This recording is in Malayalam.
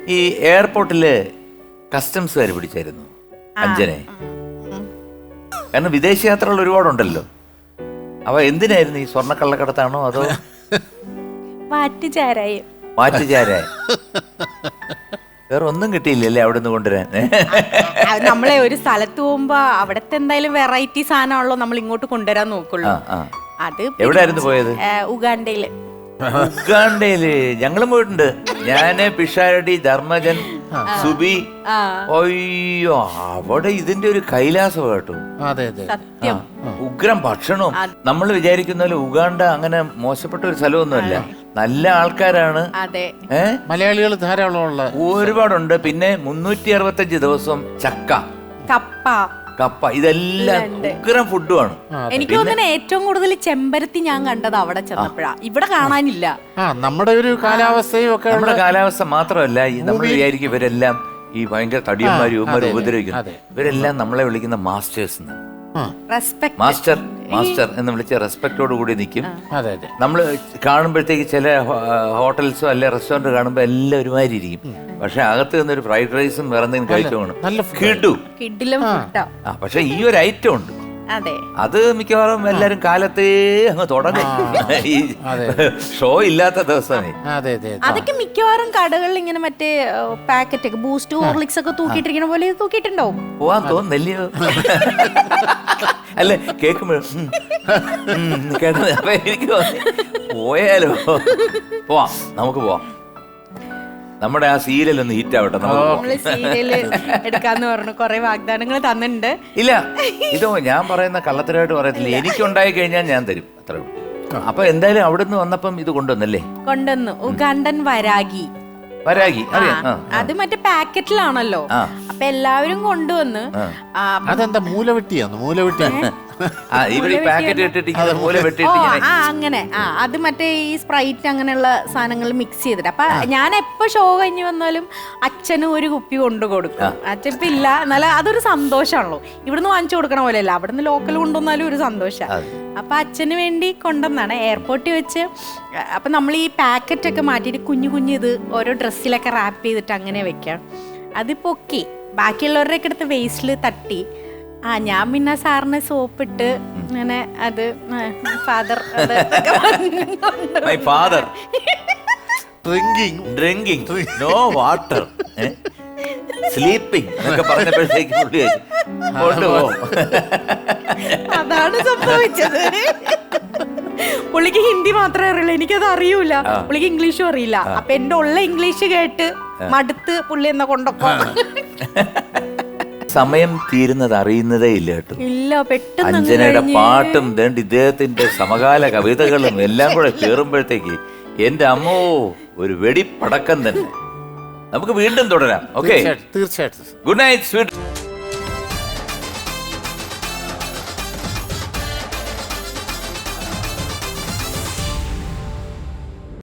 ഈ എയർപോർട്ടില് കസ്റ്റംസുകാർ പിടിച്ചായിരുന്നു അഞ്ജനെ. കാരണം വിദേശയാത്രകൾ ഒരുപാടുണ്ടല്ലോ. അവ എന്തിനായിരുന്നു? ഈ സ്വർണ്ണക്കള്ളക്കടത്താണോ അതോ മാറ്റുചാരായം? വേറെ ഒന്നും കിട്ടിയില്ലല്ലേ അവിടെ നിന്ന് കൊണ്ടുവരാൻ? നമ്മളെ ഒരു സ്ഥലത്ത് പോകുമ്പോ അവിടത്തെ എന്തായാലും വെറൈറ്റി സാധനമാണല്ലോ നമ്മൾ ഇങ്ങോട്ട് കൊണ്ടുവരാൻ നോക്കുള്ളൂ. അത് എവിടെയായിരുന്നു പോയത്? ഉഗാണ്ടയില്. ഞങ്ങളും പോയിട്ടുണ്ട്. ഞാന്, പിഷാരടി, ധർമ്മജൻ, സുബി. അയ്യോ, അവിടെ ഇതിന്റെ ഒരു കൈലാസം കേട്ടോ. സത്യം. ഉഗ്രം ഭക്ഷണവും. നമ്മൾ വിചാരിക്കുന്ന പോലെ ഉഗാണ്ട അങ്ങനെ മോശപ്പെട്ട ഒരു സ്ഥലമൊന്നുമല്ല. നല്ല ആൾക്കാരാണ്. മലയാളികൾ ധാരാളം ഒരുപാടുണ്ട്. പിന്നെ 365 ദിവസം ചക്ക, കപ്പ ഇതെല്ലാം ഉഗ്രം ഫുഡുമാണ്. എനിക്ക് തോന്നുന്നു ഏറ്റവും കൂടുതൽ ചെമ്പരത്തി ഞാൻ കണ്ടത് അവിടെ ചെന്നപ്പോഴാ. ഇവിടെ കാണാനില്ല. നമ്മുടെ ഒരു കാലാവസ്ഥയും ഒക്കെ. നമ്മുടെ കാലാവസ്ഥ മാത്രമല്ല, നമ്മൾ വിചാരിക്കും ഇവരെല്ലാം ഈ ഭയങ്കര തടിയന്മാരും ഇവന്മാരും ഉപദ്രവിക്കുന്നു. ഇവരെല്ലാം നമ്മളെ വിളിക്കുന്ന മാസ്റ്റേഴ്സ്. മാസ്റ്റർ മാസ്റ്റർ എന്ന് വിളിച്ച റെസ്പെക്റ്റോട് കൂടി നിൽക്കും. നമ്മൾ കാണുമ്പോഴത്തേക്ക് ചില ഹോട്ടൽസോ അല്ലെ റെസ്റ്റോറന്റ് കാണുമ്പോൾ എല്ലാം ഒരുമാതിരി ഇരിക്കും. പക്ഷെ അകത്ത് നിന്നൊരു ഫ്രൈഡ് റൈസും വേറെ എന്തെങ്കിലും കഴിച്ചു പക്ഷെ ഈ ഒരു ഐറ്റം ഉണ്ട്. അത് മിക്കവാറും എല്ലാരും കാലത്തേ അങ്ങ് തുടങ്ങും ഈ ഷോ ഇല്ലാത്ത ദിവസമേ. അതൊക്കെ മിക്കവാറും കടകളിൽ ഇങ്ങനെ മറ്റേ പാക്കറ്റ് ഒക്കെ ബൂസ്റ്റ് ഹോർലിക്സ് ഒക്കെ തൂക്കിയിട്ടിരിക്കണ പോലെ തൂക്കിയിട്ടുണ്ടാവും. പോവാൻ തോന്നുന്നില്ലയോ? അല്ലെ കേൾക്കുമ്പോഴും എനിക്ക് പോയാലോ? പോവാം, നമുക്ക് പോവാം. നമ്മുടെ ആ സീരിയൽ ഒന്ന് ഹിറ്റ് ആവട്ടെ. സീരിയല് എടുക്കാന്ന് പറഞ്ഞു കൊറേ വാഗ്ദാനങ്ങൾ തന്നിട്ടുണ്ട്. ഇല്ല, ഇതോ ഞാൻ പറയുന്ന കള്ളത്തരമായിട്ട് പറയത്തില്ല. എനിക്കുണ്ടായി കഴിഞ്ഞാൽ ഞാൻ തരും, അത്രേ ഉള്ളൂ. അപ്പൊ എന്തായാലും അവിടുന്ന് വന്നപ്പം ഇത് കൊണ്ടുവന്നല്ലേ? കൊണ്ടുവന്നു. ഉഗാണ്ടൻ വരാഗി. അത് മറ്റേ പാക്കറ്റിലാണല്ലോ. അപ്പൊ എല്ലാവരും കൊണ്ടുവന്ന്. അതെന്താ മൂലവെട്ടിയാന്ന്? മൂലവെട്ടി അങ്ങനെ. അത് മറ്റേ ഈ സ്പ്രൈറ്റ് അങ്ങനെയുള്ള സാധനങ്ങൾ മിക്സ് ചെയ്തിട്ട്. അപ്പൊ ഞാൻ എപ്പോ ഷോ കഴിഞ്ഞ് വന്നാലും അച്ഛനും ഒരു കുപ്പി കൊണ്ടു കൊടുക്കും. അച്ഛൻ ഇല്ല, എന്നാലും അതൊരു സന്തോഷമാണല്ലോ. ഇവിടുന്ന് വാങ്ങിച്ചു കൊടുക്കണ പോലെയല്ല, അവിടുന്ന് ലോക്കൽ കൊണ്ടുവന്നാലും ഒരു സന്തോഷം. അപ്പൊ അച്ഛന് വേണ്ടി കൊണ്ടുവന്നാണ് എയർപോർട്ടിൽ വെച്ച്. അപ്പൊ നമ്മൾ ഈ പാക്കറ്റ് ഒക്കെ മാറ്റിയിട്ട് കുഞ്ഞു കുഞ്ഞു ഇത് ഓരോ ഡ്രസ്സിലൊക്കെ റാപ്പ് ചെയ്തിട്ട് അങ്ങനെ വെക്കാം. അത് പൊക്കി ബാക്കിയുള്ളവരുടെയൊക്കെ അടുത്ത് വേസ്റ്റിൽ തട്ടി. ഞാൻ പിന്നെ സാറിന് സോപ്പിട്ട് അങ്ങനെ അത് father drinking no water sleeping എന്നൊക്കെ പറഞ്ഞപ്പോഴത്തേക്ക് അതാണ് സംഭവിച്ചത്. പുള്ളിക്ക് ഹിന്ദി മാത്രമേ അറിയുള്ളൂ, എനിക്കത് അറിയൂല. പുള്ളിക്ക് ഇംഗ്ലീഷും അറിയില്ല. അപ്പൊ എന്റെ ഉള്ള ഇംഗ്ലീഷ് കേട്ട് മടുത്ത് പുള്ളി എന്നെ കൊണ്ടൊക്കെ. സമയം തീരുന്നത് അറിയുന്നതേ ഇല്ല കേട്ടോ. ഇല്ല, പെട്ടെന്ന് അഞ്ജനയുടെ പാട്ടും ഇദ്ദേഹത്തിന്റെ സമകാല കവിതകളും എല്ലാം കൂടെ കേറുമ്പോഴത്തേക്ക് എന്റെ അമ്മോ ഒരു വെടിപ്പടക്കം തന്നെ. നമുക്ക് വീണ്ടും തുടരാം. ഓക്കെ, തീർച്ചയായിട്ടും. Good night sweet.